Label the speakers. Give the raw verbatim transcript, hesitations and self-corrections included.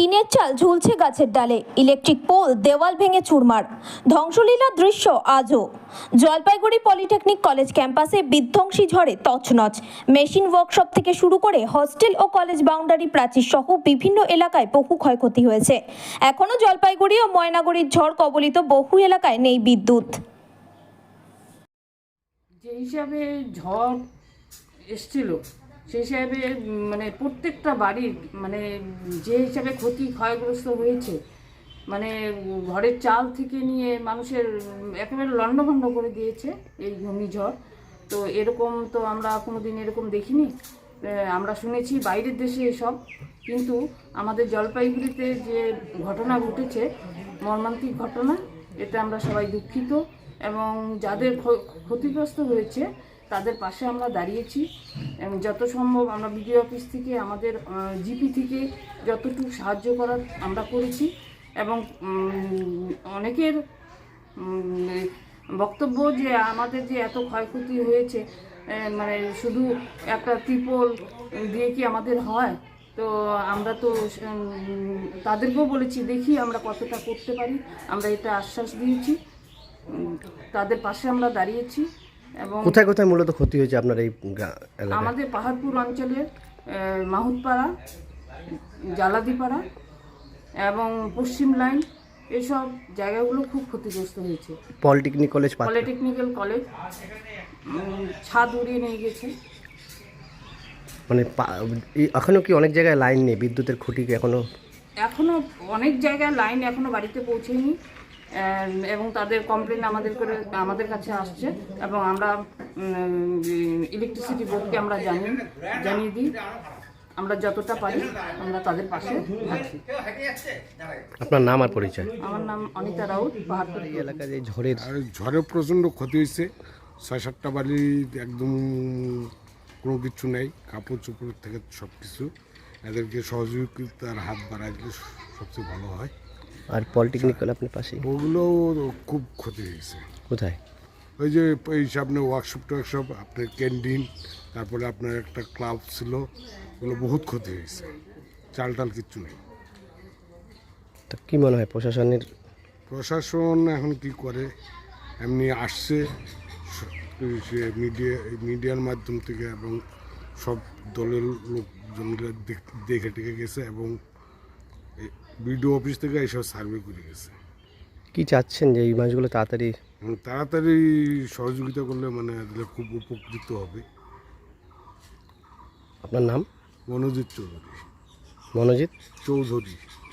Speaker 1: টিনের চাল ঝুলছে গাছের ডালে, ইলেকট্রিক পোল দেওয়াল ভেঙে চুরমার, ধ্বংসলীলার দৃশ্য আজও। জলপাইগুড়ি পলিটেকনিক কলেজ ক্যাম্পাসে বিধ্বংসী ঝড়ে তছনছ। মেশিন ওয়ার্কশপ থেকে শুরু করে হস্টেল ও কলেজ বাউন্ডারি প্রাচীর সহ বিভিন্ন এলাকায় বহু ক্ষয়ক্ষতি হয়েছে। এখনও জলপাইগুড়ি ও ময়নাগুড়ির ঝড় কবলিত বহু এলাকায় নেই বিদ্যুৎ।
Speaker 2: যে হিসাবে ঝড় এসছিল সেই হিসাবে মানে প্রত্যেকটা বাড়ির মানে যে হিসাবে ক্ষতি ক্ষয়গ্রস্ত হয়েছে, মানে ঘরের চাল থেকে নিয়ে মানুষের একেবারে লণ্ডভণ্ড করে দিয়েছে এই ঘূর্ণিঝড়। তো এরকম তো আমরা কোনোদিন এরকম দেখিনি। আমরা শুনেছি বাইরের দেশে এসব, কিন্তু আমাদের জলপাইগুড়িতে যে ঘটনা ঘটেছে, মর্মান্তিক ঘটনা, এতে আমরা সবাই দুঃখিত এবং যাদের ক্ষতিগ্রস্ত হয়েছে তাদের পাশে আমরা দাঁড়িয়েছি এবং যত সম্ভব আমরা বিডিও অফিস থেকে আমাদের জিপি থেকে যতটুকু সাহায্য করার আমরা করেছি। এবং অনেকের বক্তব্য যে আমাদের যে এত ক্ষয়ক্ষতি হয়েছে, মানে শুধু একটা ত্রিপল দিয়ে কি আমাদের হয়? তো আমরা তো তাদেরকেও বলেছি দেখি আমরা কতটা করতে পারি, আমরা এটা আশ্বাস দিয়েছি, তাদের পাশে আমরা দাঁড়িয়েছি। এবং
Speaker 3: কোথায় কোথায় মূলত ক্ষতি হয়েছে আপনার এই এলাকায়?
Speaker 2: আমাদের পাহাড়পুর অঞ্চলের মাহুতপাড়া, জালাদিপাড়া এবং পশ্চিম লাইন, এসব জায়গাগুলো খুব ক্ষতিগ্রস্ত হয়েছে।
Speaker 3: পলিটেকনিক কলেজ
Speaker 2: পলিটেকনিক্যাল কলেজ ছাদ উড়িয়ে নিয়ে গেছে।
Speaker 3: মানে এখনো কি অনেক জায়গায় লাইন নেই, বিদ্যুতের খুঁটি কি এখনো?
Speaker 2: এখনো অনেক জায়গায় লাইন এখনো বাড়িতে পৌঁছেনি এবং তাদের কমপ্লেন আমাদের করে আমাদের কাছে আসছে এবং আমরা ইলেকট্রিসিটি বোর্ডকে আমরা জানি জানিয়ে দিই। আমরা যতটা পারি আমরা তাদের পাশে আছি।
Speaker 3: আপনার নাম আর পরিচয়?
Speaker 2: আমার নাম অনিতা রাউত, পাহাড়পুর
Speaker 3: এলাকায় যে ঝড়ের
Speaker 4: ঝড়ে প্রচণ্ড ক্ষতি হয়েছে। ছয় সাতটা বাড়ি একদম কোনো কিছু নেই, কাপড় চোপড় থেকে সব কিছু। এদেরকে সহযোগিতার হাত বাড়াই দিলে সবচেয়ে ভালো হয়।
Speaker 3: আর পলিটেকনিক কলেজ আপনার পাশে?
Speaker 4: ওগুলো খুব ক্ষতি হয়েছে।
Speaker 3: কোথায়?
Speaker 4: ওই যে এই আপনার ওয়ার্কশপ টোয়ার্কশপ, আপনার ক্যান্টিন, তারপরে আপনার একটা ক্লাব ছিল, ওগুলো বহুত ক্ষতি হয়েছে। চাল টাল কিচ্ছু নেই।
Speaker 3: তো কী মনে হয় প্রশাসনের?
Speaker 4: প্রশাসন এখন কি করে, এমনি আসছে সে মিডিয়া মিডিয়ার মাধ্যম থেকে এবং সব দলের লোকজনরা দেখে টেকে গেছে এবং বিডিও অফিস থেকে এইসব সার্ভে করে গেছে।
Speaker 3: কি চাচ্ছেন যে এই মাছগুলো তাড়াতাড়ি
Speaker 4: তাড়াতাড়ি সহযোগিতা করলে মানে খুব উপকৃত হবে।
Speaker 3: আপনার নাম?
Speaker 4: মনোজিৎ চৌধুরী।
Speaker 3: মনোজিৎ
Speaker 4: চৌধুরী